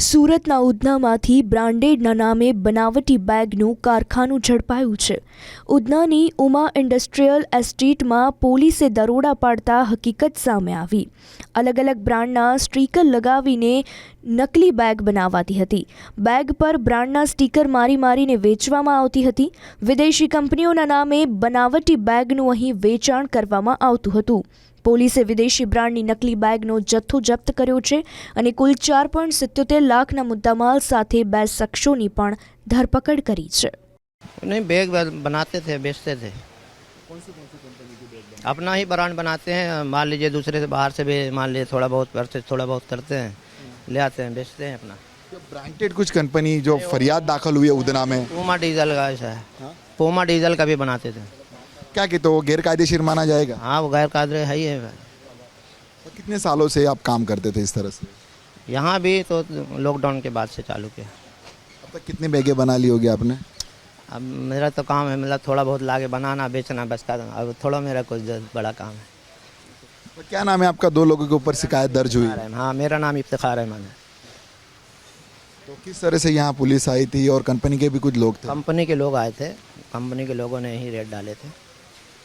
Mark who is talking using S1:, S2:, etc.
S1: સુરતના ઉધનામાંથી બ્રાન્ડેડના નામે બનાવટી બેગનું કારખાનું ઝડપાયું છે। ઉધનાની ઉમા ઇન્ડસ્ટ્રીયલ એસ્ટેટમાં પોલીસે દરોડા પાડતા હકીકત સામે આવી। અલગ અલગ બ્રાન્ડના સ્ટીકર લગાવીને નકલી બેગ બનાવાતી હતી। બેગ પર બ્રાન્ડના સ્ટીકર મારીને વેચવામાં આવતી હતી। વિદેશી કંપનીઓના નામે બનાવટી બેગનું અહીં વેચાણ કરવામાં આવતું હતું। પોલીસે વિદેશી બ્રાન્ડની નકલી બેગનો જથ્થો જપ્ત કર્યો છે અને કુલ 4.77 લાખના મુદ્દામાલ સાથે 2 શખ્સોની પણ ધરપકડ કરી છે।
S2: नहीं, बैग बनाते थे, बेचते थे।
S3: कौन सी कंपनी की बैग बनाते
S2: अपना ही ब्रांड बनाते हैं। मान लीजिए दूसरे से बाहर से भी मान लीजिए थोड़ा बहुत परचेज थोड़ा बहुत करते हैं, ले आते हैं, बेचते हैं अपना।
S3: हैं? ब्रांडेड कुछ कंपनी जो फरियाद दाखिल हुई है उधना में,
S2: पूमा डीजल का ऐसा है।
S3: हाँ?
S2: पूमा डीजल का भी बनाते थे।
S3: क्या कहते हो, गैर कायदेशीर माना जाएगा?
S2: हाँ, वो गैर कायदे है ही है।
S3: तो कितने सालों से आप काम करते थे इस तरह से?
S2: यहाँ भी तो लॉकडाउन के बाद से चालू किया।
S3: अब तक कितनी बैगें बना ली होगी आपने?
S2: अब मेरा तो काम है, मतलब थोड़ा बहुत लाके बनाना बेचना बस का। अब थोड़ा मेरा कुछ बड़ा काम है।
S3: तो क्या नाम है आपका? 2 लोगों के ऊपर शिकायत दर्ज हुई।
S2: हाँ, मेरा नाम इफ्तिखार रहमान है।
S3: तो किस तरह से यहाँ पुलिस आई थी और कंपनी के भी कुछ लोग थे?
S2: कंपनी के लोग आए थे, कंपनी के लोगों ने ही रेड डाले थे।